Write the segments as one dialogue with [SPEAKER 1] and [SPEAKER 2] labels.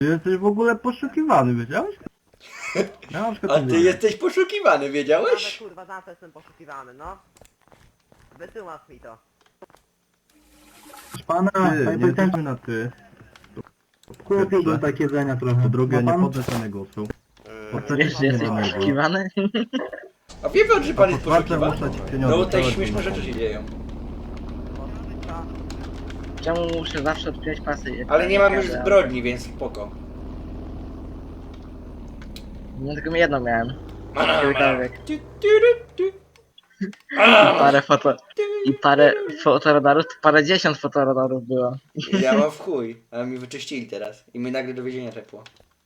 [SPEAKER 1] Ty jesteś w ogóle poszukiwany, wiedziałeś? Ja na przykład
[SPEAKER 2] A
[SPEAKER 1] nie
[SPEAKER 2] ty
[SPEAKER 1] wiem.
[SPEAKER 2] jesteś poszukiwany,
[SPEAKER 3] Ale
[SPEAKER 2] wiedziałeś?
[SPEAKER 3] kurwa, za co jestem poszukiwany, no? Wytłumacz mi to.
[SPEAKER 4] Proszę pana,
[SPEAKER 1] Ty,
[SPEAKER 4] panie
[SPEAKER 1] nie
[SPEAKER 4] policjancie,
[SPEAKER 1] jesteśmy na ty.
[SPEAKER 4] kupiłbym tak jedzenia trochę.
[SPEAKER 1] Po drugie,
[SPEAKER 4] Ma
[SPEAKER 1] nie
[SPEAKER 4] pan?
[SPEAKER 1] podnoszę głosu. Po trzecie,
[SPEAKER 5] Wiesz, że jesteś
[SPEAKER 1] nie denerwuj.
[SPEAKER 5] poszukiwany?
[SPEAKER 2] A wie pan, że
[SPEAKER 1] A
[SPEAKER 2] pan
[SPEAKER 1] po
[SPEAKER 2] jest
[SPEAKER 1] czwarte,
[SPEAKER 2] poszukiwany?
[SPEAKER 1] muszę ci pieniądze
[SPEAKER 2] No tutaj
[SPEAKER 1] dać,
[SPEAKER 2] śmieszne
[SPEAKER 1] bo-
[SPEAKER 2] rzeczy się dzieją.
[SPEAKER 3] Co?
[SPEAKER 5] Czemu muszę zawsze odpinać pasy? jak
[SPEAKER 2] Ale nie mam już
[SPEAKER 5] jadę?
[SPEAKER 2] zbrodni, więc spoko.
[SPEAKER 5] No tylko jedną miałem.
[SPEAKER 2] Mana,
[SPEAKER 5] Kiedykolwiek.
[SPEAKER 2] Tu, tu, tu, tu.
[SPEAKER 5] I parę fotoradarów, to parę dziesiąt fotoradarów było.
[SPEAKER 2] Ja mam w chuj, a mi wyczyścili teraz. I mnie nagle do więzienia czepło.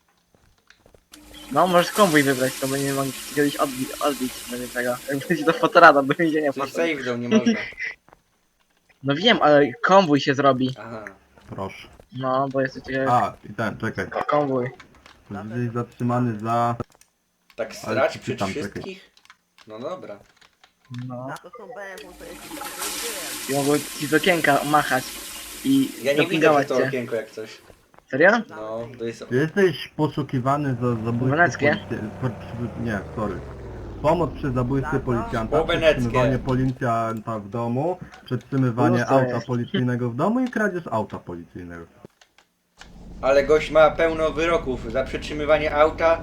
[SPEAKER 5] No, możesz konwój wybrać, to będziemy mogli kiedyś odbić będzie tego. Jak będzie to fotorada do więzienia
[SPEAKER 2] Coś
[SPEAKER 5] potem.
[SPEAKER 2] save do nie można.
[SPEAKER 5] No wiem, ale konwój się zrobi.
[SPEAKER 2] Aha.
[SPEAKER 1] Proszę.
[SPEAKER 5] No, bo jest coś takiego
[SPEAKER 1] A, i ten, czekaj.
[SPEAKER 5] jak konwój.
[SPEAKER 1] Jesteś zatrzymany za...
[SPEAKER 2] Tak
[SPEAKER 1] Ale
[SPEAKER 2] strać
[SPEAKER 1] ci
[SPEAKER 2] przed
[SPEAKER 1] tam, czekaj.
[SPEAKER 2] wszystkich? No dobra.
[SPEAKER 5] No.
[SPEAKER 3] Na to są BM, to jest to jest
[SPEAKER 5] I mogą ci z okienka machać. I
[SPEAKER 2] Ja nie widzę
[SPEAKER 5] dopingować
[SPEAKER 2] przez to
[SPEAKER 5] cię.
[SPEAKER 2] okienko jak coś.
[SPEAKER 5] Serio?
[SPEAKER 2] No, to jest...
[SPEAKER 1] Jesteś poszukiwany za zabójstwo
[SPEAKER 5] Weneckie?
[SPEAKER 1] Nie, sorry. Pomoc przy zabójstwie
[SPEAKER 3] Za co?
[SPEAKER 1] policjanta,
[SPEAKER 2] Po weneckie.
[SPEAKER 1] przetrzymywanie policjanta w domu, przetrzymywanie
[SPEAKER 5] No to
[SPEAKER 1] auta
[SPEAKER 5] jest.
[SPEAKER 1] policyjnego w domu i kradzież auta policyjnego.
[SPEAKER 2] Ale gość ma pełno wyroków za przetrzymywanie auta.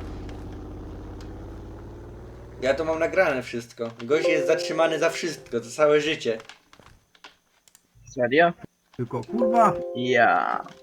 [SPEAKER 2] Ja to mam nagrane wszystko. Gość jest zatrzymany za wszystko, za całe życie.
[SPEAKER 5] Serio?
[SPEAKER 1] Tylko kurwa,
[SPEAKER 5] Ja.